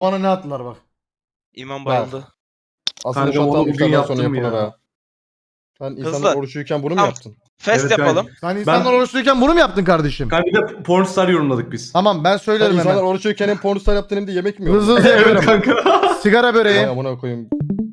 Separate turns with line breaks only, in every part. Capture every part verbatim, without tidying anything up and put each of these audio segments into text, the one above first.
Bana ne attılar bak.
İmam bayıldı.
Aslında
Kanka onu
şatal
bugün
iftardan sonra
yaptım
yapılır
ya.
ha. Sen
Hızlı.
insanlar oruçluyken bunu mu
Tamam.
yaptın?
Fest
Evet,
yapalım.
Hani
Sen insanlar
Ben-
oruçluyken bunu mu yaptın kardeşim?
Kanka bir de pornstar yorumladık biz.
Tamam ben
Sen
söylerim
insanlar
hemen.
oruçluyken hem pornostar yaptın hem de yemek mi
Hızlı
yiyorsun?
hızlı
Evet
yapıyorum.
kanka.
Sigara
Ay
böreği.
amına koyayım.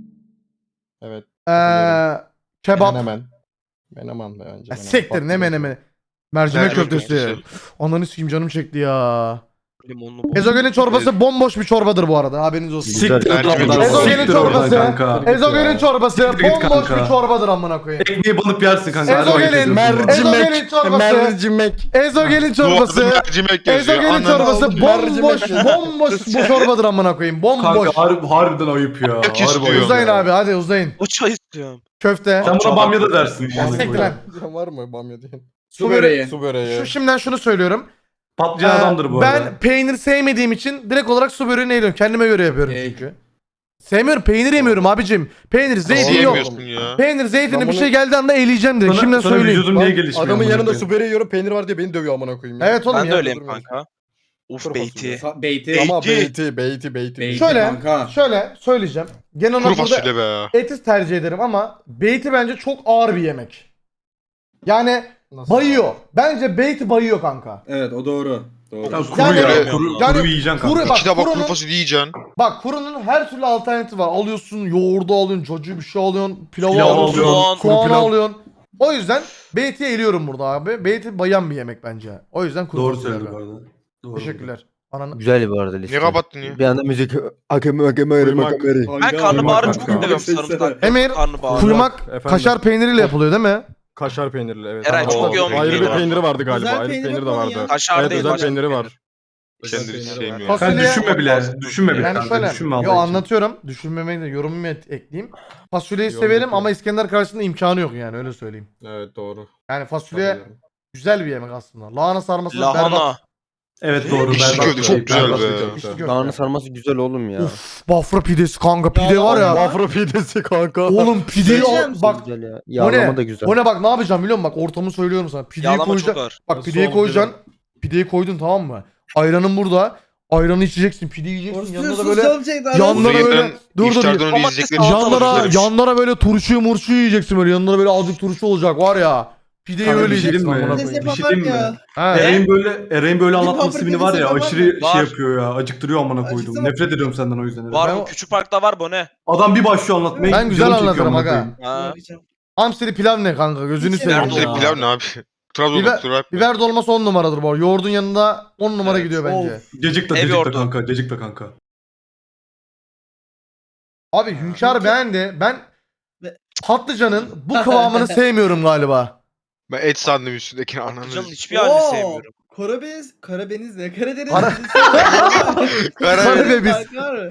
Evet.
Eee kebap.
Menemen. Menemen be önce.
Ya
menemen.
siktir ne
Patlıcan.
menemeni. Mercimek
Mercimek
köftesi.
köftesi.
Ananı sikeyim canım çekti ya.
Limonlu bol.
Ezogelin çorbası bomboş bir çorbadır bu arada haberiniz olsun.
Siktir
Mercimek
oradan.
çorbası.
Siktir oradan kanka.
Ezogelin çorbası
Siktir git
bomboş
kanka.
bir çorbadır amına koyayım.
Ekmeği banıp yersin kanka.
Ezogelin,
Hadi bakayım.
mercimek. Ezogelin çorbası.
Mercimek.
Ezogelin çorbası.
Mercimek yazıyor.
Ezogelin
Ananı
çorbası
avradım.
bomboş bomboş bu çorbadır amına koyayım. Bomboş.
Kanka harbi, harbiden ayıp ya.
Çok
Harbi
istiyor.
ayıp
Uzayın
ya.
abi hadi uzayın.
O çay istiyorum.
Köfte.
Sen buna bamya da dersin.
Ya siktir lan.
Sen var mı bamya diye?
Su böreği.
Su böreği.
Şu şimdiden şunu söylüyorum.
Patlıcan
Ee,
adamdır bu
ben
arada.
peynir sevmediğim için direkt olarak su böreğini yiyorum. Kendime göre yapıyorum
Ey.
çünkü. Sevmiyorum. Peynir yemiyorum abicim. Peynir, zeytin yok.
Yiyemiyorsun ya.
Peynir, zeytini
Ben
bir
bunu-
şey geldiği anda eleyeceğim direkt.
Sana,
Şimdiden
sana
söyleyeyim.
vücudun niye
Lan
gelişmiyor?
adamın
amına
yanında
koyayım?
su böreği yiyorum peynir var diye beni dövüyor amına koyayım ya.
Evet oğlum
Ben
ya.
de öyleyim
durmuyorsun.
kanka. Uf
Kuru
beyti.
fasulye.
Beyti.
Ama
Beyti.
beyti beyti beyti.
Beyti
Şöyle,
kanka.
şöyle söyleyeceğim. Genel
Kuru
olarak burada
fasulye be.
eti tercih ederim ama beyti bence çok ağır bir yemek. Yani
Nasıl?
bayıyor. Bence beyti bayıyor kanka.
Evet o doğru. Doğru.
Ya kuru
Yani-
ya. Kuru,
Yani
kuru yiyeceksin kanka.
kuru- bak,
İki tabak kuru
kurunun-
fasulye yiyeceksin.
Bak kurunun her türlü alternatifi var. Alıyorsun yoğurdu alıyorsun, çocuğu bir şey alıyorsun, pilavı
Pilav
alıyorsun,
alıyorsun,
kuru
soğanı
pilav.
alıyorsun. O yüzden beyti'ye eliyorum burada abi. Beyti bayan bir yemek bence. O yüzden kuru
Doğru
fasulye
söyledi bu
abi.
arada. Doğru.
Teşekkürler. Ananı...
Güzel bu arada liste.
Niye kapattın ya?
Bir anda müzik akemi akemi
Kuymak.
akemi.
Ben karnabaharı
Kuymak
çok
kanka.
seviyorum sarımsak.
Emir,
Karnabahar.
kuymak
Efendim?
kaşar peyniriyle yapılıyor değil mi?
Kaşar peynirli evet.
Eray
Ama
çok
o-
yoğun bir
Ayrı bir
peynir var.
peyniri vardı galiba.
Özel
Ayrı bir
peynir
peyniri de
yapalım
vardı.
ya.
Kaşar
Evet
değil,
özel
başka
peyniri var.
Kendini
Peyniri var.
sevmiyorum.
Fasulye-
Sen düşünme bile. Düşünme bile
Yani
kanka.
şöyle,
Düşünme Allah
yo
için.
anlatıyorum. Düşünmemeyi de yorumumu et- ekleyeyim. Fasulyeyi
Yorum
severim
yapıyorum.
ama İskender karşısında imkanı yok yani öyle söyleyeyim.
Evet doğru.
Yani fasulye güzel bir yemek aslında. Lahana sarması berbat.
Lahana.
Evet doğru.
İçli
berbat
köfte
bir
çok
şey,
güzel
berbat
be.
bir köfte.
İçli köfte.
Lahana sarması güzel oğlum ya.
Uf, Bafra pidesi kanka pide var ya.
Bafra pidesi kanka.
Oğlum pideyi al,
Söyleyeceğim.
bak
Güzel ya.
o
Yağlama
ne?
da güzel.
O ne bak ne yapacağım biliyor musun? Bak ortamı söylüyorum sana. Pideyi
Yağlama çok
koyacaksın.
ağır.
Bak
Nasıl
pideyi
oldu
koyacaksın. Pideyi koydun tamam mı? Ayranın burada. Ayranı içeceksin, pide yiyeceksin. Yanında da böyle yanlara
Bunu
böyle
yeden
dur dur.
iftardan önce
Domates
yiyecekleri
salatalık
çok
Yanlara
güzelmiş.
yanlara böyle turşuyu murşuyu yiyeceksin böyle. Yanlara böyle azıcık turşu olacak var ya. Pideyi
Kanka
öyle
bir şey
yiyeceksin
diyeyim mi?
amına
Ne
koyayım.
Bir şey diyeyim mi?
Ha.
Eray'ın böyle Eray'ın böyle anlatması
Bafra
beni var ya
pidesi var
aşırı
mı?
şey
Var.
yapıyor ya. Acıktırıyor amına koydum.
Acıktı mı?
Nefret ediyorum senden o yüzden. Eray.
Var
Ben
mı?
o-
Küçük Park'ta var bu ne?
Adam bir başlıyor anlatmaya.
Ben güzel
canım çekiyor
anlatırım
amına
aga.
koyayım.
Ha.
Hamsili pilav ne kanka gözünü
Hiç
seveyim
Hamsili
ya.
pilav ne abi? Trabzon
Biber-
doktoru abi.
Biber dolması on numaradır bu arada. Yoğurdun yanında on numara
Evet.
gidiyor bence.
Cacık da
Ev
cacık da
yoğurdu.
kanka. Cacık da kanka.
Abi Hünkar beğendi. Ben
Ve-
patlıcanın bu kıvamını sevmiyorum galiba.
Ben et sandım üstündekini ananı.
Patlıcanın hiçbir halini sevmiyorum.
Karadeniz, Karadeniz ne? Karadeniz.
Kara-
Karadeniz.
Karabebiz.
Fark var mı?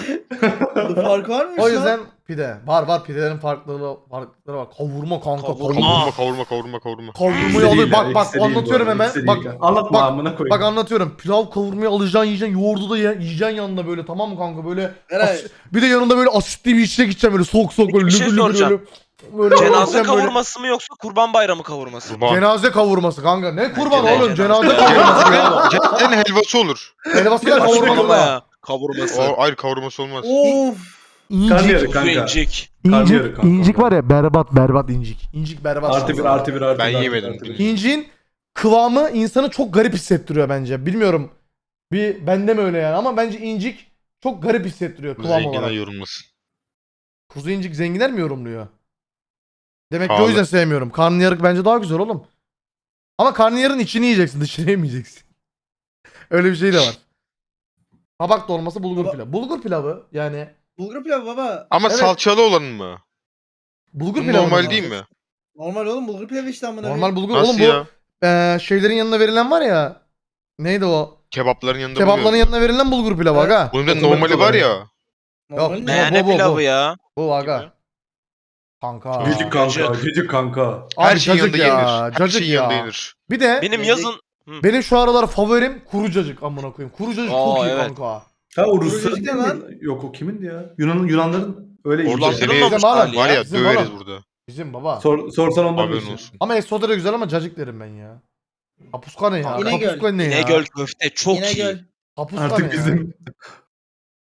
Bu fark var mı?
O yüzden pide. Var var pidelerin farklılığı farklılıkları var. Kavurma kanka.
Kavurma.
Kavurma.
Kavurma kavurma kavurma kavurma.
Kavurmayı
İkisi
alır.
değil
Bak
ya,
bak
ikisi değil bu
anlatıyorum
arada,
hemen.
ikisi
Bak
değil. Anlatma
bak-
amına koyayım.
bak anlatıyorum. Pilav kavurmayı alacaksın yiyeceksin. Yoğurdu da ye, yiyeceksin yanında böyle tamam mı kanka böyle.
Eray.
As- bir de yanında böyle asitli bir içecek içeceksin böyle soğuk soğuk böyle
Bir şey
lübür lübür
soracağım.
böyle. Böyle
Cenaze
yiyeceksin böyle.
kavurması mı yoksa kurban bayramı kavurması mı?
Kurban.
Cenaze kavurması kanka. Ne kurban
Cenaze-
oğlum cenaze
cenaze-
kavurması ya.
Cennetin helvası olur.
Helvasıyla
Kavurma
kavurmalı da.
ya. Kavurması.
O ayrı kavurması olmaz.
Of.
Karnıyarık
İncik.
kanka.
İncik.
Karnıyarık
İncik,
kanka.
incik var ya berbat berbat incik. İncik berbat.
Artı bir artı bir artı
Ben
bir, artı
yemedim.
bir, artı bir.
İnciğin kıvamı insanı çok garip hissettiriyor bence. Bilmiyorum. Bir bende mi öyle yani ama bence incik çok garip hissettiriyor kıvam
Zenginler
olarak.
yorulmasın.
Kuzu incik zenginler mi yorumluyor? Demek ki o
Pahalı.
yüzden sevmiyorum. Karnıyarık bence daha güzel oğlum. Ama karnıyarın içini yiyeceksin, dışını yemeyeceksin. Öyle bir şey de var. Kabak dolması bulgur
Baba-
pilavı. Bulgur pilavı yani
Bulgur pilavı baba.
Ama
Evet.
salçalı olan mı?
bulgur pilavı
Normal
mı?
değil mi?
Normal oğlum bulgur pilavı işte amına.
Normal bulgur.
Nasıl
Oğlum bu
ya?
eee, şeylerin yanına verilen var ya. Neydi o?
Kebapların yanında
Kebapların
buluyor.
yanına verilen bulgur pilavı
Evet.
aga.
Bunun da
Otomatik
normali var
olarak.
ya.
Normal
Yok,
ne?
ne-
Ne
bu, bu,
pilavı
bu.
ya?
Bu aga. Kanka.
Gıcık kanka.
Gıcık.
Gıcık kanka.
Her
Abi
şeyin
cacık
yanında
ya.
yenir. Her
Cacık
şeyin
ya.
yanında yenir.
Bir de
Benim
Yiyecek-
yazın
benim şu aralar favorim kuru cacık amına koyayım. Kuru cacık çok
Aa,
iyi
evet.
kanka.
Ha o
Kurucu
Rusların
değil
değil
lan.
mi? Yok o kimindi ya? Yunan Yunanların öyle
Oradan
yiyecek.
Bizim
seni
olmuş
var
hali
var ya
Bizim
döveriz
oğlum.
burada.
Bizim baba.
Sor, sorsan ondan
Haberin
bilirsin.
olsun.
Ama Esoda da güzel ama cacık derim ben ya. Kapuska ne ya?
İnegöl.
Kapuska ne ya?
İnegöl köfte çok iyi.
İnegöl.
Kapuska
Artık
ne ya?
bizim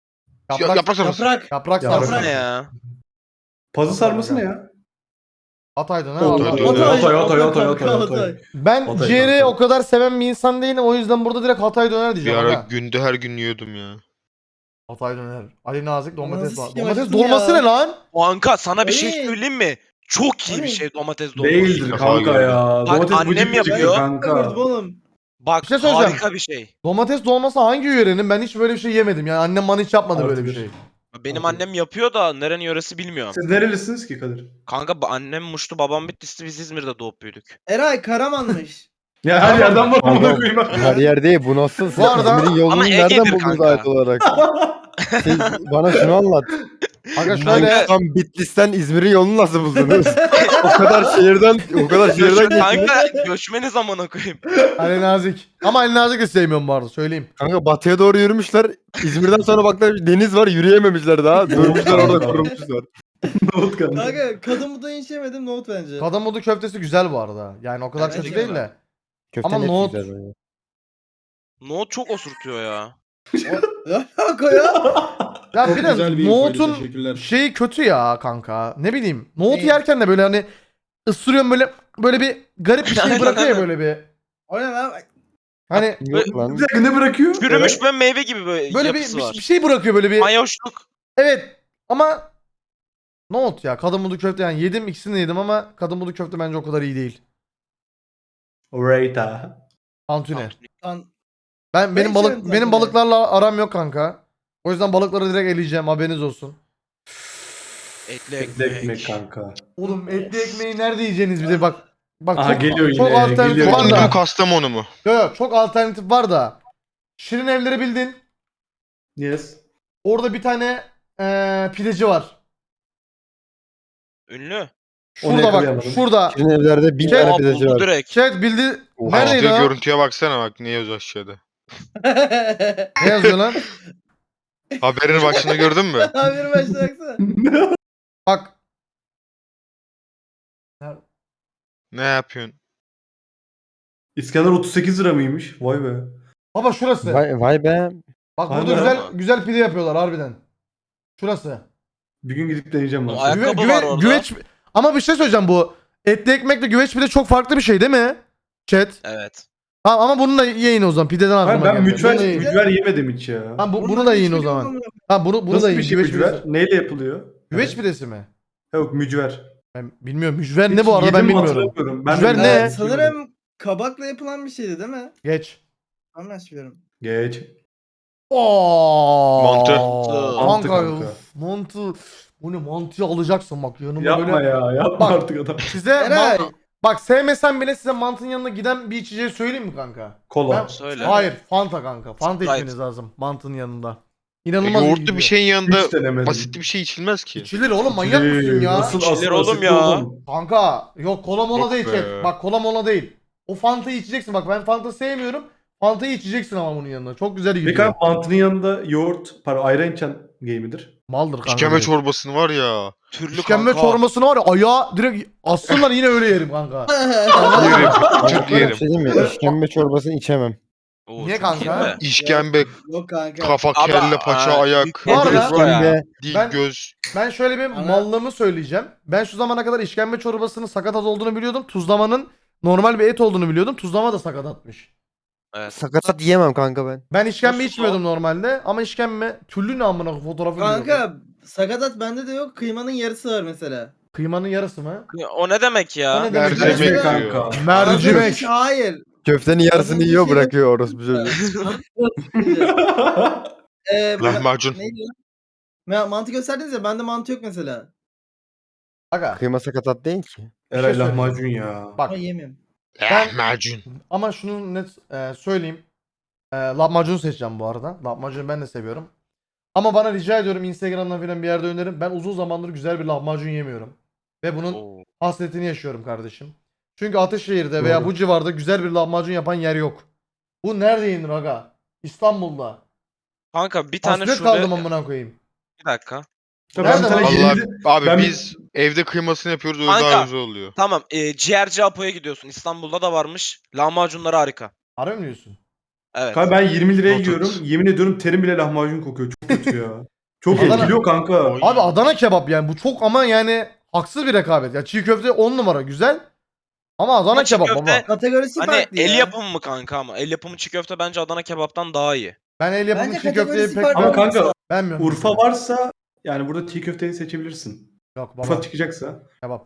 Yaprak,
yaprak sarması.
Yaprak.
yaprak
Yaprak.
sarması.
Ne ya?
Pazı sarması ne ya?
Hatay'da ne?
Hatay,
Allah-
Hatay,
Hatay, Hatay,
Hatay,
Hatay, Hatay, Hatay.
Ben
Hatay,
ciğeri
Hatay.
o kadar seven bir insan değilim. O yüzden burada direkt Hatay döner
Bir
diyeceğim.
ara
aga.
günde her gün yiyordum ya.
Hatay döner. Ali Nazik domates
Nasıl
var.
sikeyim
Domates
acıktım
dolması
ya.
ne lan?
Kanka sana bir şey
Ay.
söyleyeyim mi? Çok iyi bir
Ay.
şey domates dolması.
Değildir
Kafa
kanka
gördüm.
ya.
Bak,
Domates
annem
bıcık bıcık
yapıyor.
kanka.
Gördüm oğlum.
Bak
Bir şey söyleyeceğim.
harika bir şey.
Domates dolması hangi yörenin? Ben hiç böyle bir şey yemedim. Yani annem bana hiç yapmadı
Artı
böyle bir
bir.
şey.
Benim
Okey.
annem yapıyor da nerenin yöresi bilmiyorum.
Siz nerelisiniz ki Kadir?
Kanka ba- annem Muş'tu, babam Bitlis'ti, biz İzmir'de doğup büyüdük.
Eray Karaman'mış.
Ya her yerden var amına
Kanka,
koyayım.
Her yer değil bu nasıl? Siz
Bu arada-
İzmir'in yolunu
Ama
nereden
Ege'dir
buldunuz
kanka.
ait olarak? Siz bana şunu anlat.
Aga şöyle
Tam Bitlis'ten İzmir'in yolunu nasıl buldunuz? o kadar şehirden o kadar şehirden geçtiniz.
Kanka göçmeniz amına koyayım.
Ali Nazik. Ama Ali Nazik de sevmiyorum bu arada söyleyeyim.
Kanka batıya doğru yürümüşler. İzmir'den sonra baktılar deniz var yürüyememişler daha. Durmuşlar orada kurumuşlar.
Nohut kanka.
Kanka kadın buda hiç yemedim nohut bence.
Kadın köftesi güzel bu arada. Yani o kadar
Evet,
kötü
güzel.
değil de.
Köfte
Ama
net
nohut-
güzel böyle.
Nohut çok osurtuyor ya.
Ne alaka ya?
Ya
Çok
bir de
güzel bir infoydu,
nohutun
teşekkürler.
şeyi kötü ya kanka. Ne bileyim. Nohut
Ne?
yerken de böyle hani ısırıyorum böyle böyle bir garip bir şey
Aynen,
bırakıyor ya
aynen.
böyle bir.
O ne lan?
Hani
Yok lan.
Bir dakika ne bırakıyor?
Çürümüş böyle meyve gibi böyle,
böyle bir,
yapısı
bir,
var.
bir şey bırakıyor böyle bir.
Mayoşluk.
Evet ama nohut ya kadın budu köfte yani yedim ikisini de yedim ama kadın budu köfte bence o kadar iyi değil.
Reyta.
Tantuni.
Lan
Ben benim
hiç
balık
yemedim
benim
tantuni.
balıklarla aram yok kanka. O yüzden balıkları direkt eleyeceğim haberiniz olsun.
Etli
Etli ekmek
ekmek.
kanka.
Oğlum etli ekmeği nerede yiyeceğiniz bir de bak. Bak
Aha,
çok,
geliyor
çok
yine,
alternatif
geliyor
var
yine.
da.
Konya Kastamonu mu?
Yok yok çok alternatif var da. Şirin evleri bildin.
Yes.
Orada bir tane eee pideci var.
Ünlü.
Onu
Şurada bak.
yakalayamadım.
Şurada.
Şirin evlerde bin
Şey-
tane
Aa,
pideci
buldu
var.
direkt.
Chat bildi.
Oha.
Neredeydi
Açtığı
o?
görüntüye baksana bak ne yazıyor aşağıda.
Ne yazıyor lan?
Haberin başında gördün mü?
Haberi başına baksana.
Bak.
Ne yapıyorsun?
İskender otuz sekiz lira mıymış? Vay be.
Baba şurası.
Vay, vay be.
Bak
Vay
burada
be.
güzel güzel pide yapıyorlar harbiden. Şurası.
Bir gün gidip deneyeceğim
O
lan.
ayak-
Güve,
Ayakkabı
güve-
var orada.
güveç ama bir şey söyleyeceğim bu. Etli ekmekle güveç pide çok farklı bir şey değil mi? Chat.
Evet.
Ha, ama bunu da yiyin o zaman. Pideden aklıma
Hayır, ben
geldi.
mücver,
Bunu da yiyin.
mücver yemedim hiç ya.
Ha, bu,
Oğlum
bunu
ben
da
hiç
yiyin o
bilmiyorum
zaman.
amına.
Ha bunu bunu
Nasıl
da yiyin.
bir şey
Güveç
mücver?
pidesi.
Neyle yapılıyor?
Güveç pidesi mi?
Yok mücver.
Ben bilmiyorum. Mücver ne
Hiç
bu arada ben
yedim mi
bilmiyorum.
hatırlamıyorum. Ben de
Mücver
bilmiyorum.
ne?
Ee, sanırım kabakla yapılan bir şeydi değil mi?
Geç.
Ben yanlış biliyorum.
Geç.
Oo.
Mantı.
Mantı
Kanka.
kanka.
Uf, mantı. Bu ne mantıyı alacaksın bak yanıma
Yapma
böyle.
ya. Yapma
Bak.
artık adam.
Size
Eray.
ma- bak sevmesen bile size mantının yanına giden bir içeceği söyleyeyim mi kanka?
Kola.
Ben-
Söyle.
Hayır, Fanta kanka. Fanta
Sprite.
içmeniz lazım mantının yanında.
E,
İnanılmaz iyi
yoğurtlu
gidiyor.
bir şeyin yanında
Hiç denemedim.
basit bir şey içilmez ki.
İçilir oğlum manyak mısın ya?
Nasıl
İçilir
asıl
oğlum
asitli
ya.
oğlum?
Kanka yok kola mola
Yok
değil
be.
chat. Bak kola mola değil. O Fanta'yı içeceksin bak ben Fanta sevmiyorum. Fanta'yı içeceksin ama bunun yanında. Çok güzel gidiyor.
Peki abi mantının yanında yoğurt, pardon ayran içen gay midir?
Maldır kanka.
İşkembe
direkt.
çorbasını var ya.
Türlü
İşkembe
kanka.
çorbasını var ya ayağı direkt assınlar yine öyle yerim kanka.
Yerim. Türk
Böyle bir
yerim.
şey değil mi? İşkembe çorbasını içemem.
Oo,
Niye
çok
kanka?
iyi be.
İşkembe,
Yok kanka.
kafa,
Abi,
kelle, paça,
aa,
ayak,
büyük
Bu arada-
nedir bu ya?
İşkembe.
dil,
Ben-
göz.
Ben şöyle bir
Ana-
mallığımı söyleyeceğim. Ben şu zamana kadar işkembe çorbasının sakatat olduğunu biliyordum. Tuzlamanın normal bir et olduğunu biliyordum. Tuzlama da sakatatmış.
Evet.
Sakatat yiyemem kanka ben.
Ben işkembe
Nasıl
içmiyordum normalde ama işkembe türlü ne amına koyayım, fotoğrafı biliyorum.
Kanka sakatat bende de yok. Kıymanın yarısı var mesela.
Kıymanın yarısı mı?
O ne demek
O
ya?
ne demek?
Mercimek
Mercimek
diyor.
kanka.
Mercimek.
Hayır.
Köftenin yarısını
Az önce
yiyor
şey-
bırakıyor orospu çocuğu.
Ee, bu-
Lahmacun.
Neydi lan? Ya, mantı gösterdiniz ya bende mantı yok mesela.
Aga
Kıyma sakatat değil ki.
Eray
söyleyeyim.
lahmacun ya.
bak
Ama yemiyorum.
Ben-
Lahmacun.
ama şunu net e, söyleyeyim. E, lahmacun seçeceğim bu arada. Lahmacunu ben de seviyorum. Ama bana rica ediyorum Instagram'dan falan bir yerde önerin. Ben uzun zamandır güzel bir lahmacun yemiyorum. Ve bunun
Oo.
hasretini yaşıyorum kardeşim. Çünkü Ataşehir'de veya
Doğru.
bu civarda güzel bir lahmacun yapan yer yok. Bu nerede yenir aga? İstanbul'da.
Kanka bir tane
Hasret
şube...
kaldım amına koyayım.
Bir dakika.
Tabii
Nerede
bir tane
lan?
Allah
yedi-
abi
ben-
biz evde kıymasını yapıyoruz öyle
Kanka.
daha güzel oluyor.
Tamam. E, ciğerci Apo'ya gidiyorsun. İstanbul'da da varmış. Lahmacunları harika.
Harbi mi diyorsun?
Evet.
Kanka ben yirmi liraya
Not
yiyorum.
et.
Yemin ediyorum terim bile lahmacun kokuyor. Çok kötü ya. Çok
Adana-
etkiliyor kanka.
Oy.
Abi Adana kebap yani bu çok ama yani haksız bir rekabet. Ya çiğ köfte on numara güzel. Ama Adana
Ama çiğ
kebap
köfte-
baba.
Kategorisi
Hani
farklı
el
ya.
yapımı mı kanka ama? El yapımı çiğ köfte bence Adana kebaptan daha iyi.
Ben el yapımı
Bence
çiğ köfteyi
kategorisi
pek
farklı.
Ama kanka
beğenmiyorum.
Urfa
mesela.
varsa yani burada çiğ köfteyi seçebilirsin.
Yok
Urfa
baba
çıkacaksa.
kebap.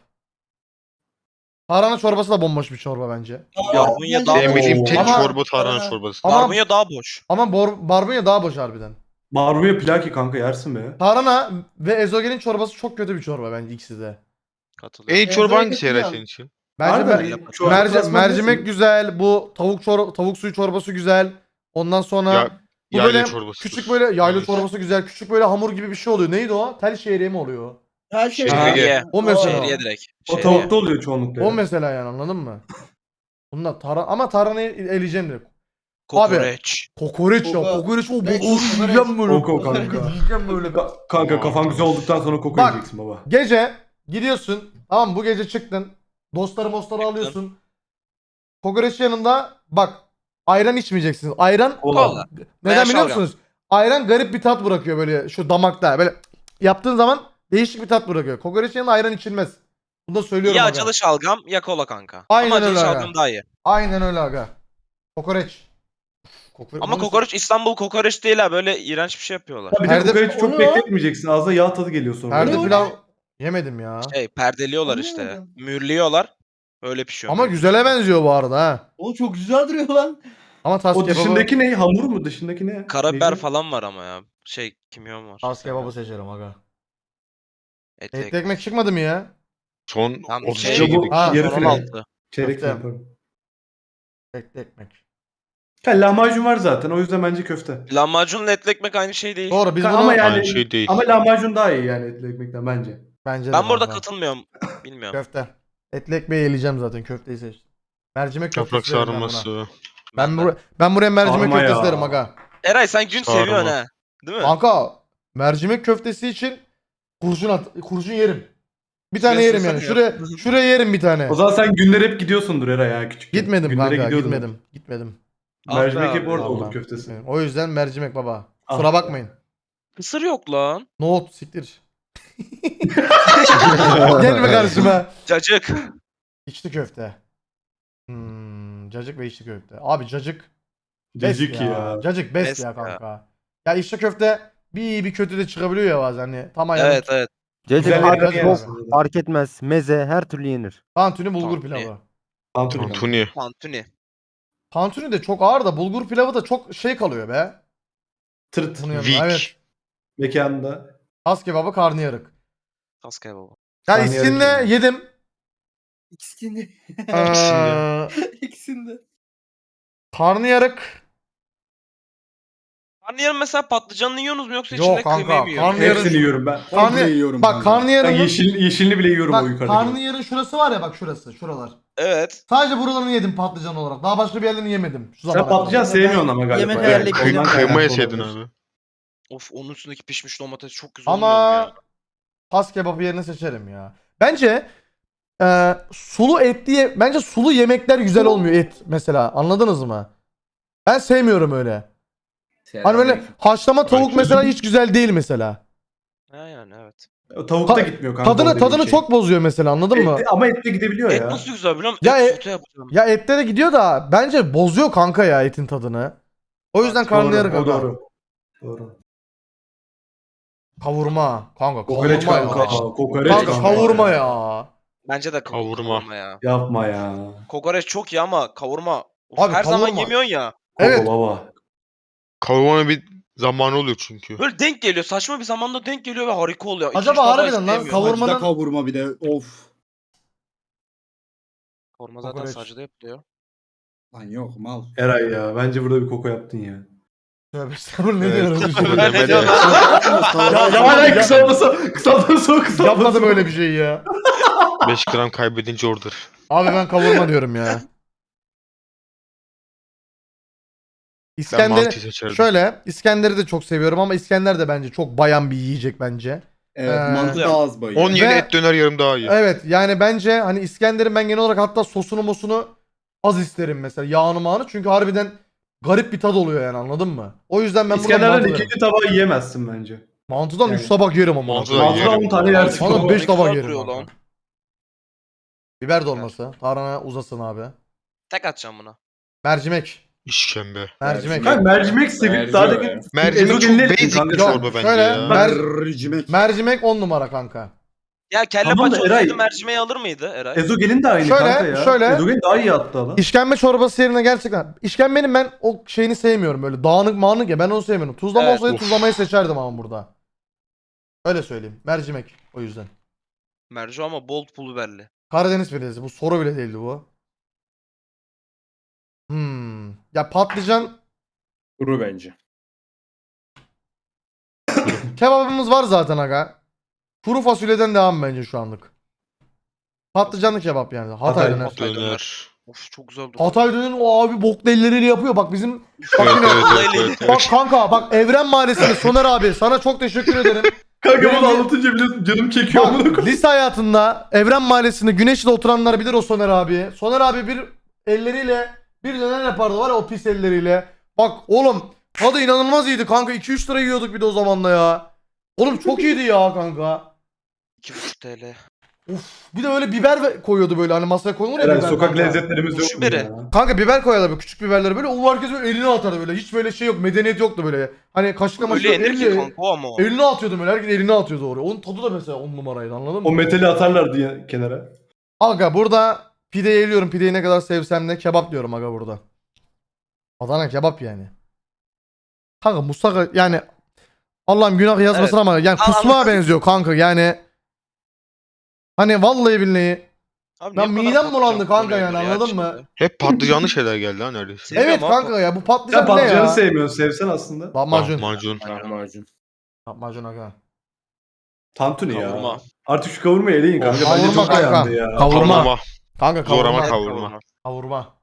Tarhana çorbası da bomboş bir çorba bence.
Barbunya
bence
daha
de-
En bildiğim tek
Ama-
çorba tarhana
Ama-
çorbası.
Ama
Barbunya daha boş.
ama bor, barbunya daha boş harbiden.
Barbunya plaki kanka yersin be.
Tarhana ve ezogelin çorbası çok kötü bir çorba bence ikisi de.
Katılıyorum.
En iyi çorba
Ezber'e
hangisi Eray
katılıyorum.
senin için?
Bence
Harbiden
mer-
iyi. Çorba
merci-
klasmanı
mercimek
diyorsun.
güzel. Bu tavuk çor tavuk suyu çorbası güzel. Ondan sonra
Ya,
bu
yayla
böyle
çorbası.
küçük böyle yayla
Evet.
çorbası güzel. Küçük böyle hamur gibi bir şey oluyor. Neydi o? Tel şehriye mi oluyor?
Her şey.
Şehriye.
O mesela.
Şehriye direkt.
O
Şehriye.
tavukta oluyor çoğunlukla.
O
ya.
mesela yani anladın mı? Bunlar tara ama tarhanayı eleyeceğim direkt.
Kokoreç.
Kokoreç ya.
Koko-
Kokoreç o
Ben-
boku yiyeceğim böyle.
Koko kanka.
Yiyeceğim böyle.
Ka- Kanka kafan güzel olduktan sonra koku
Bak.
yiyeceksin baba.
Gece gidiyorsun. Tamam mı? Bu gece çıktın. Dostları mostları alıyorsun. Kokoreç yanında bak ayran içmeyeceksiniz. Ayran
Kola.
neden
Veya
biliyor
şalgam.
musunuz? Ayran garip bir tat bırakıyor böyle şu damakta. Böyle yaptığın zaman değişik bir tat bırakıyor. Kokoreç yanında ayran içilmez. Bunu da söylüyorum
Ya
aga.
acılı şalgam ya kola kanka.
Aynen
Ama acılı
öyle aga.
şalgam daha iyi.
Aynen öyle aga. Kokoreç. Kokoreç.
Ama
Bunu-
kokoreç İstanbul kokoreç değil ha. Böyle iğrenç bir şey yapıyorlar.
Ha, bir de
Perde-
kokoreçi çok
Onu-
bekletmeyeceksin. Ağza yağ tadı geliyor sonra.
Perde
Ne o
pilav yemedim ya.
Şey perdeliyorlar işte.
Anlamadım.
Mühürlüyorlar. Öyle pişiyor.
Ama güzele benziyor bu arada ha.
O çok güzel duruyor lan.
Ama tas
O
kebabı,
dışındaki ne? Hamur mu? Dışındaki ne?
Karabiber
Neydi?
falan var ama ya. Şey kimyon var.
tas kebabı seçerim aga.
Et,
Etli ekmek çıkmadı mı ya?
Son
Tam
otuz
şey-
iki
Bu-
girdik.
Ha,
yarı
Son
final.
on altı.
Çeyrek
Köfte.
final, pardon.
Etli ekmek.
Ha, lahmacun var zaten. O yüzden bence köfte.
Lahmacunla etli ekmek aynı şey değil.
Doğru biz
Ka-
bunu
ama yani
Aynı şey değil.
ama lahmacun daha iyi yani etli ekmekten bence.
bence de
Ben burada
kanka.
katılmıyorum. Bilmiyorum.
Köfte. Etli ekmeği eleyeceğim zaten köfteyi seçtim. Mercimek köftesi
Toprak
derim ben buna.
sarması.
Ben, bura- ben buraya mercimek
Sarma
köftesi
ya.
derim aga.
Eray sen gün
Sarma.
seviyorsun ha. Değil mi?
Kanka mercimek köftesi için kurşun at kurşun yerim. Bir tane
Şuraya
yerim yani.
sığsana
Şuraya şuraya yerim bir tane.
O zaman sen günler hep gidiyorsundur Eray ya küçük.
Gitmedim
Günlere
kanka,
gidiyordun.
gitmedim. Gitmedim.
Ah be
Mercimek
abi,
hep orada
vallahi.
olur köftesi.
O yüzden mercimek baba.
Ah.
Kusura bakmayın.
Kısır yok lan.
Nohut siktir. Gelme karşıma.
Cacık.
İçli köfte. Hmm, cacık ve içli köfte. Abi cacık best
Cacık ya.
Cacık best,
Best
ya
ya.
kanka. Ya içli köfte bir iyi bir kötü de çıkabiliyor ya bazen hani. Tam ayarı.
Evet evet.
Cacık
Güzel
Cacık
fark,
yerden
best.
yok,
yersin.
fark etmez. Meze her türlü yenir.
Tantuni bulgur
Tantuni.
pilavı.
Tantuni kanka.
Tantuni.
Tantuni.
Tantuni de çok ağır da bulgur pilavı da çok şey kalıyor be.
Tırt.
Bunun yanında.
Weak.
Evet.
Mekanında.
Tas kebabı karnıyarık.
Tas kebabı.
Ya
Karnıyarık
iskinle
yani.
yedim.
İkisinde.
Ee,
İkisinde.
karnıyarık.
Karnıyarın mesela patlıcanını yiyorsunuz mu yoksa
Yok
içinde
kanka,
kıymayı mı yiyorsunuz?
karnıyarın-
Hepsini yiyorum ben.
Karnı,
Komple yiyorum
bak
kanka.
Ben
karnıyarın
yeşil, yeşilini bile yiyorum o
bak
yukarıdaki.
karnıyarın şurası var ya bak şurası şuralar.
Evet.
Sadece buralarını yedim patlıcan olarak. Daha başka bir yerlerini yemedim. Şu zamana
Sen patlıcan
kadar.
sevmiyorsun ama galiba.
Yemek
Evet,
ayarlayıp
ondan
yiyorum.
kaynaklı
Kıyma yeseydin
olabilir.
abi.
Of onun üstündeki pişmiş domates çok güzel olmuyor mu
Ama
ya?
tas kebabı yerine seçerim ya. Bence e, sulu et diye bence sulu yemekler güzel olmuyor et mesela. Anladınız mı? Ben sevmiyorum öyle. Hani böyle haşlama tavuk
Bence-
mesela hiç güzel değil mesela.
Ha yani evet.
Tavuk da
Ta-
gitmiyor kanka.
Tadını
oradaki
tadını
şey.
çok bozuyor mesela anladın mı?
Ette- ama etle gidebiliyor
Et
ya.
nasıl güzel biliyor musun?
Ya
Et
e-
sote yapacağım.
Ya ette de gidiyor da bence bozuyor kanka ya etin tadını. O yüzden
Doğru,
karnıyarık
o
aga.
doğru. Doğru.
Kavurma. Kanka
Kokoreç
kavurma
kanka.
ya.
Kokoreç
Kanka
kanka.
kavurma ya.
Bence de
Kavurma.
kavurma ya.
Yapma ya.
Kokoreç çok iyi ama kavurma. Of,
Abi
her zaman
kavurma-
yemiyorsun ya.
Evet.
Koko baba.
Kavurmanın bir zamanı oluyor çünkü.
Böyle denk geliyor. Saçma bir zamanda denk geliyor ve harika oluyor. İki,
Acaba
üç defa
harbiden lan
isteyemiyorum.
kavurma-
Sacda kavurma bir de of.
Kavurma zaten
Kokoreç.
sacda yapılıyor.
Lan yok mal.
Eray ya. Bence burada bir koko yaptın ya.
Tövbe estağfurullah ne
Evet.
diyorsun?
Koko
Ben ne
demedi.
diyorum?
Ya
Ya hala kısalması kısalması kısalması.
Yapmadım öyle bir şey ya.
beş gram kaybedince order.
Abi ben kavurma diyorum ya.
Ben
İskender
mantıyı seçerdim.
şöyle İskender'i de çok seviyorum ama İskender de bence çok bayan bir yiyecek bence.
Evet
Ee,
mantı daha az bayıyor.
on yeni
Ve-
et döner yarım daha iyi.
Evet yani bence hani İskender'in ben genel olarak hatta sosunu mosunu az isterim mesela yağını mağını çünkü harbiden garip bir tad oluyor yani anladın mı? O yüzden ben burada
İskender'den
mantı derim.
ikinci tabağı yiyemezsin bence.
Mantıdan
Yani-
üç tabak yerim ama.
Mantıdan
Mantıdan
yerim.
on tane yersin.
Bana
Ne
beş tabak
güzel
yerim.
duruyor
kanka.
lan.
Biber dolması. Tarhana uzasın abi.
Tek atacağım buna.
Mercimek.
İşkembe.
Mercimek.
Kanka mercimek sevip
Mercimek.
daha da
Mercimek çok
Ezogelin
basic
kanka.
bir
Yok,
çorba bence
şöyle,
ya.
mer-
Mercimek.
mercimek on numara kanka.
Ya kelle
Tamam da
paça
Eray-
olsaydı mercimeği alır mıydı Eray?
Ezogelin de aynı
Şöyle,
kanka ya.
şöyle.
Ezogelin daha iyi hatta lan.
İşkembe çorbası yerine gerçekten. İşkembenin ben o şeyini sevmiyorum böyle dağınık mağınık ya ben onu sevmiyorum. Tuzlama
Evet.
olsaydı
Of.
tuzlamayı seçerdim ama burada. Öyle söyleyeyim. Mercimek o yüzden.
Mercu ama bol pul biberli.
Karadeniz pidesi bu soru bile değildi bu. Hmm. Ya patlıcan
Kuru bence.
kebabımız var zaten aga. Kuru fasulyeden devam bence şu anlık. Patlıcanlı kebap yani. Hatay
Hatay.
döner.
Döner. Döner.
Of çok güzel duruyor.
Hatay döner o abi boklu elleriyle yapıyor. Bak bizim bak
Evet,
yine
evet, evet, evet,
bak
evet.
kanka bak Evren Mahallesi'nde Soner abi sana çok teşekkür ederim.
Kanka
Benim
bunu
de-
anlatınca bile canım çekiyor amına
Bak
koyayım.
lise hayatında Evren Mahallesi'nde Güneşli'de oturanlar bilir o Soner abi. Soner abi bir elleriyle bir döner yapardı var ya o pis elleriyle. Bak oğlum tadı inanılmaz iyiydi kanka iki üç lira yiyorduk bir de o zaman da ya. Oğlum çok iyiydi ya kanka.
iki buçuk TL.
Uf bir de öyle biber ve- koyuyordu böyle hani masaya koyulur ya
Eren
biber
sokak
kanka.
lezzetlerimiz yok
Şu
mu
biri.
ya?
Kanka biber koyarlar böyle küçük biberleri böyle o herkes böyle eline atardı böyle hiç böyle şey yok medeniyet yoktu böyle. Hani kaşıkla maşıkla
Öyle yenir ki
elle,
kanka o ama o.
eline atıyordu böyle herkes eline atıyordu oraya. Onun tadı da mesela on numaraydı anladın mı?
O metali atarlar diye kenara.
Aga burada pideyi eliyorum. Pideyi ne kadar sevsem de kebap diyorum aga burada. Adana kebap yani. Kanka Mustafa yani Allah'ım günah yazmasın
Evet.
ama yani
Al-
kusmağa
al-
benziyor kanka yani. Hani vallahi billahi.
Abi
Ben
niye bu kadar
midem bulandı
patlıcan
kanka yani,
kullanıyorlar ya
anladın mı?
içinde?
Hep patlıcanlı şeyler geldi ha neredeyse.
Seviyorum
Evet
abi.
kanka ya bu
Sen
patlıcan ne
patlıcanı
ya?
sevmiyorsun. Sevsen aslında.
Lahmacun.
Lahmacun.
Lahmacun.
Lahmacun aga.
Tantuni ya.
Kavurma.
Artık şu kavurmayı eleyin kanka. Bence
Kavurma
çok
kanka.
dayandı ya.
Kavurma.
Kavurma.
Kanka
Zor ama
kavurma.
kavurma.
Kavurma.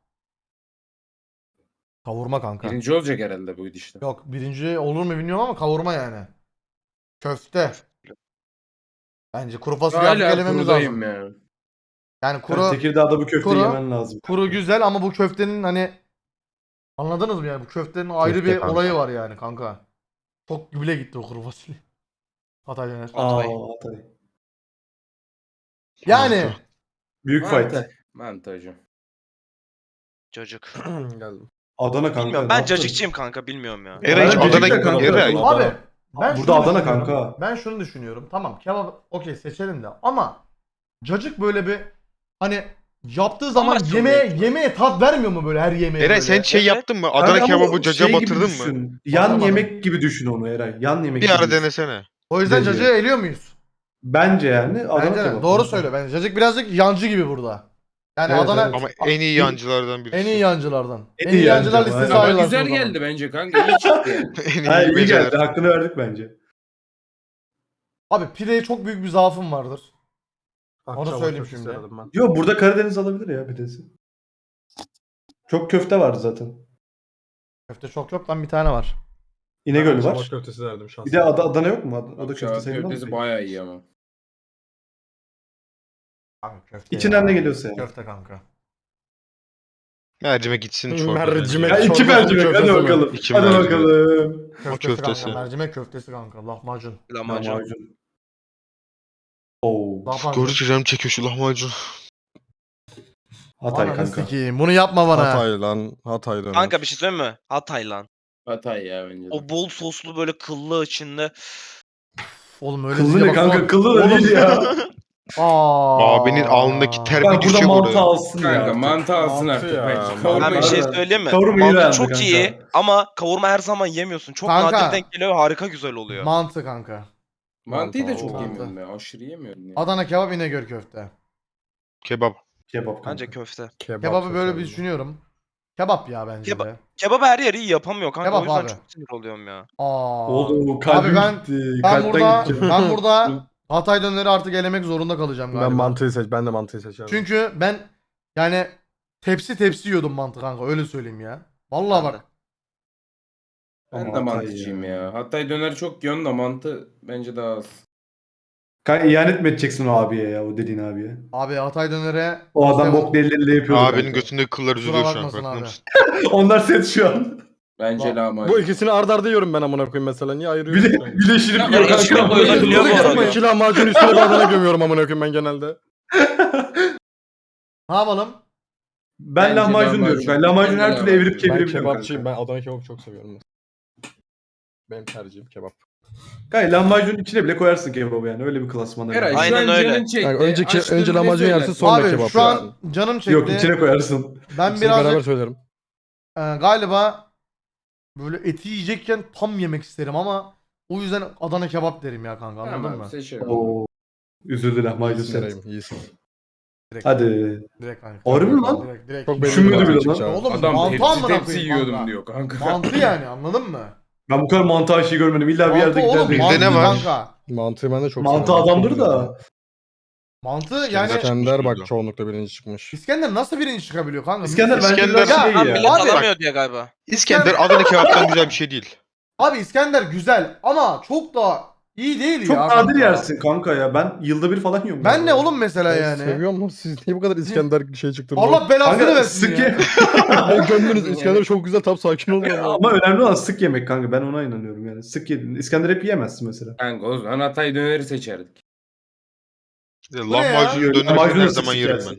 Kavurma kanka.
Birinci olacak herhalde bu gidişte.
Yok birinci olur mu bilmiyorum ama kavurma yani. Köfte. Bence kuru fasulye artık
Hala
elememiz
kurudayım
lazım.
ya.
Yani
Kuru,
kuru
Tekirdağ'da bu köfteyi
kuru-
yemen lazım.
kuru güzel ama bu köftenin hani anladınız mı yani bu köftenin ayrı
Köfte
bir
kanka.
olayı var yani kanka. Çok güble gitti o kuru fasulye. Hatay döner.
Aa,
Hatay.
Hatay.
Yani
Büyük fight.
Mantı. Mantı hocam.
Cacık.
Geldim.
Adana kanka.
Bilmiyorum
ne
ben
yaptın?
cacıkçıyım kanka bilmiyorum ya.
Eray hiç
Ben
Adana
Cacık'ta kanka.
Eray.
Adana.
abi ben
Burada
şunu
Adana
düşünüyorum.
kanka.
Ben şunu düşünüyorum. Tamam kebap okey seçelim de ama cacık böyle bir hani yaptığı zaman
Amaç
yemeğe
oluyor.
yemeğe tat vermiyor mu böyle her yemeğe
Eray
böyle?
sen şey
Evet.
yaptın mı?
Kanka
Adana
ama
kebabı caca
şey gibi
batırdın mı?
düşün. Yan
Batırmadım.
yemek gibi düşün onu Eray. Yan yemek
Bir
gibi
ara
düşün.
denesene.
O yüzden
Bence.
cacığı eliyor muyuz?
Bence yani Adana
Bence de.
kebap.
Doğru söyle. Bence cacık birazcık yancı gibi burada. Yani
Evet,
Adana
evet.
Ama en iyi yancılardan birisi.
en iyi yancılardan. En,
En
iyi
iyi
yancılar
yancı,
listesi
aynen.
Ama
ayrılar.
güzel
o zaman.
geldi bence kanka. İyi çıktı yani.
En
Ha, iyi
iyi
geldi.
geldi.
Hakkını verdik bence.
Abi pideye çok büyük bir zaafım vardır. Onu
Akçabat
söyleyeyim
köftesi
şimdi.
aradım ben.
Yo burada Karadeniz alabilir ya pidesi. Çok köfte vardı zaten.
Köfte çok yok lan bir tane var.
İnegöl
Akçabat
var.
köftesi derdim şahsen.
Bir de Ad- Adana yok mu? Ad- Adana
Akçabat
köfte sayılmaz
köftesi
mı?
bayağı iyi ama.
Abi köfte
İçinden
ya.
ne geliyorsa yani.
Köfte kanka.
Mercimek gitsin çorba.
Mercimek.
Ya iki
Çorba,
mercimek hadi
köftesi mi?
bakalım.
İki
hadi
mercimek.
bakalım.
Köftesi,
köftesi.
kanka. Mercimek köftesi kanka. Lahmacun.
Lahmacun.
Lahmacun. Oo.
Lahmacun.
Gördükçe canım çekiyor şu lahmacun.
Hatay
Ananı
kanka.
sikeyim. Bunu yapma bana.
Hatay lan. Hatay döner.
Kanka bir şey söyleyeyim mi? Hatay lan.
Hatay ya bence de.
O bol soslu böyle kıllı içinde.
Oğlum öyle
Kıllı
diye
ne
bak-
kanka? Kıllı da
Oğlum-
değil ya.
Aa.
Abinin alnındaki ter bir
Kanka burada
düşecek
mantı
oraya.
alsın ya.
Kanka
artık.
mantı alsın
Mantı
artık
ya,
bence.
mantı.
Kavurma
Ben bir şey
Aynen.
söyleyeyim mi?
Kavurma iyi
Mantı
beğendi
çok
kanka.
iyi ama kavurma her zaman yemiyorsun. Çok
Kanka.
nadir denk geliyor harika güzel oluyor.
Mantı kanka.
Mantıyı da
Mantı.
çok
Mantı.
yemiyorum ben. Aşırı yemiyorum ya.
Adana kebap İnegöl köfte.
Kebap.
Kebap kanka.
Bence köfte.
Kebap
Kebabı böyle bir
seçerdim.
düşünüyorum. Kebap ya bence
Kebap-
de.
Kebabı her yer iyi yapamıyor kanka.
Kebap
o yüzden
abi.
çok sinir oluyorum ya.
Aa.
Oğlum kalbim
Abi ben
gitti.
ben
Kalpten
burada
gideceğim.
ben burada Hatay döneri artık elemek zorunda kalacağım galiba.
Ben mantıyı seç. Ben de mantıyı seçerim.
Çünkü ben yani tepsi tepsi yiyordum mantı kanka öyle söyleyeyim ya. Vallahi
Ben
bak.
Ben
Ama
de
Hatay
mantıcıyım
ya.
ya. Hatay döner çok yiyorsun da mantı bence daha az.
Kanka ihanet mi edeceksin o abiye ya o dediğin abiye?
Abi Hatay dönere
O adam
İşte-
bok elleriyle yapıyordu.
Abinin
kanka.
götündeki kıllar
Kusura
üzülüyor şu an.
bakmasın
farkında
abi.
mısın?
Onlar set şu an.
Bence
Bak,
lahmacun.
Bu ikisini arda arda yiyorum ben amına koyayım mesela. Niye
Bir
ayırıyorsun?
de birleştirip
Ya,
yiyor
içine
kanka.
koyulabiliyor bu arada.
İki lahmacun üstüne bir Adana gömüyorum amına koyayım ben genelde.
Ne yapalım?
Ben
Bence
lahmacun diyorum.
lahmacun.
Ben lahmacun her
Bence
türlü evirip
lahmacun.
Ben
çevirebiliyorum
kebapçıyım.
kanka.
Ben Adana kebabı çok seviyorum. mesela. Benim tercihim kebap.
Kanka lahmacunun içine bile koyarsın kebabı yani. Öyle bir klasmanda.
Eray
yani.
şu
Aynen
an
öyle.
canın çekti.
Yani önceki
Açtın,
önce
ne
lahmacun yersin
söylersin?
sonra
Abi
kebap
şu an
yersin.
canım çekti.
Yok içine koyarsın.
Ben
İkisini beraber
birazcık
söylerim.
e, galiba böyle eti yiyecekken tam yemek isterim ama o yüzden Adana kebap derim ya kanka, anladın
Tamam
mı?
abi seçiyorum.
Oo. Üzüldü lahmacun
İyisin
set.
Eray'ım, iyisin.
Direkt,
Hadi.
direkt kanka.
Harbi mi lan?
Direkt, direkt.
Çok belli
Düşünmüyordu
bir
bile
bakış
lan.
açısı abi.
Oğlum
Adam
mantı
tepsi
amına
tepsi
koyayım
yiyordum
kanka.
diyor kanka.
Mantı yani, anladın mı?
Ben bu kadar mantı aşıyı görmedim. İlla bir
Mantı
yerde
oğlum,
güzel
Bizde
mantı
ne var?
kanka.
Mantığı ben de çok
Mantı
seviyorum.
adamdır
Çok
da.
güzel.
Mantı
İskender
yani
çıkmış
İskender bak
burada.
çoğunlukla birinci çıkmış.
İskender nasıl birinci çıkabiliyor kanka?
İskender bence
İskender-
biraz
Ya,
şey
Ha,
ya.
millet
Abi-
alamıyor diye galiba.
İskender Adana kebaptan güzel bir şey değil.
Abi İskender güzel ama çok da iyi değil
Çok
ya.
nadir
kanka.
yersin kanka ya. Ben yılda bir falan yiyorum.
Ben ne
ya.
oğlum mesela
Ben
yani?
seviyorum lan, siz niye bu kadar İskender şey çıktınız?
Allah belasını
Kanka
versin
sık
ya.
ye.
Ne gömdünüz İskender çok güzel, tam sakin olun. ya.
Ama önemli olan sık yemek kanka. Ben ona inanıyorum yani. Sık yedin. İskender hep yiyemezsin mesela.
Kanka o zaman Hatay döneri seçerdik.
ne ya?
Lahmacun döner
Lahmacunu
her
sık
zaman
sık
yerim
yersin.
ben.